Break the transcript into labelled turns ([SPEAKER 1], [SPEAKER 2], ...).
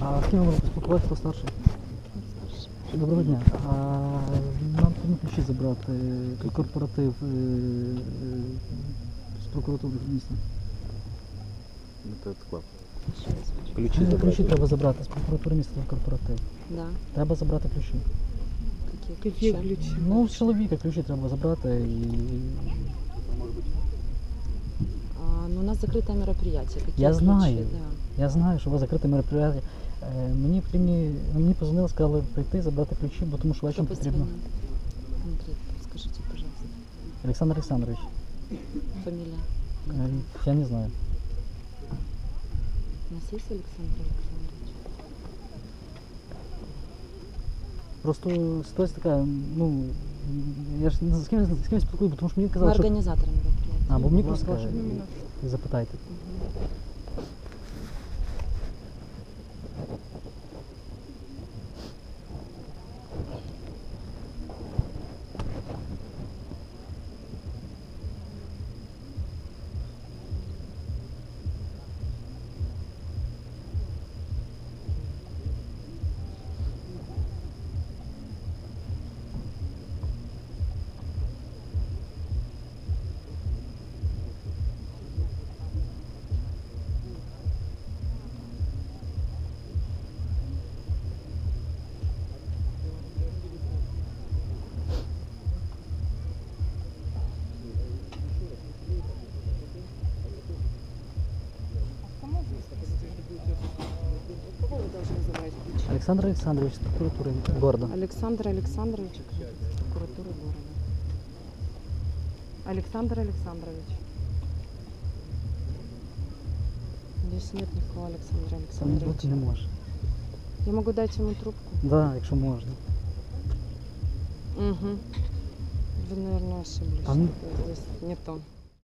[SPEAKER 1] А з ким ви можете поспілкуватися, хто старший? Доброго дня. Нам потрібно ключі забрати, корпоратив з прокуратури міста. Ключі треба забрати з прокуратури міста на корпоратив.
[SPEAKER 2] Да.
[SPEAKER 1] Треба забрати ключі.
[SPEAKER 2] Какие ключи?
[SPEAKER 1] Ну, з чоловіка ключі треба забрати і...
[SPEAKER 2] Ну, у нас закрытое мероприятие. Какие
[SPEAKER 1] Я
[SPEAKER 2] ключи?
[SPEAKER 1] знаю.
[SPEAKER 2] Да.
[SPEAKER 1] Я знаю, що у вас закрите мероприятие. Мені позвонили, сказали прийти, забрати ключі, бо тому що вечором потрібно.
[SPEAKER 2] Андрей, скажите, пожалуйста.
[SPEAKER 1] Олександр Олександрович.
[SPEAKER 2] Фамилия?
[SPEAKER 1] Я не знаю.
[SPEAKER 2] У нас есть Александр Александрович?
[SPEAKER 1] Просто ситуація така, ну, я ж з ким спілкую, бо тому що мені
[SPEAKER 2] Мы
[SPEAKER 1] казали, що...
[SPEAKER 2] организаторы мероприятия.
[SPEAKER 1] А, бо мені
[SPEAKER 2] Будь
[SPEAKER 1] просто
[SPEAKER 2] ласка,
[SPEAKER 1] кажуть, запитайте.
[SPEAKER 2] Кого вы должны забрать ключи?
[SPEAKER 1] Олександр Олександрович з прокуратури города.
[SPEAKER 2] Александр Александрович из прокуратуры города. Александр Александрович. Здесь нет никакого Александра
[SPEAKER 1] Це
[SPEAKER 2] Александровича.
[SPEAKER 1] бути не може.
[SPEAKER 2] Я могу дать ему трубку?
[SPEAKER 1] Да, якщо можна.
[SPEAKER 2] Угу. Вы, наверное, ошиблись.
[SPEAKER 1] А ну-
[SPEAKER 2] Здесь не то.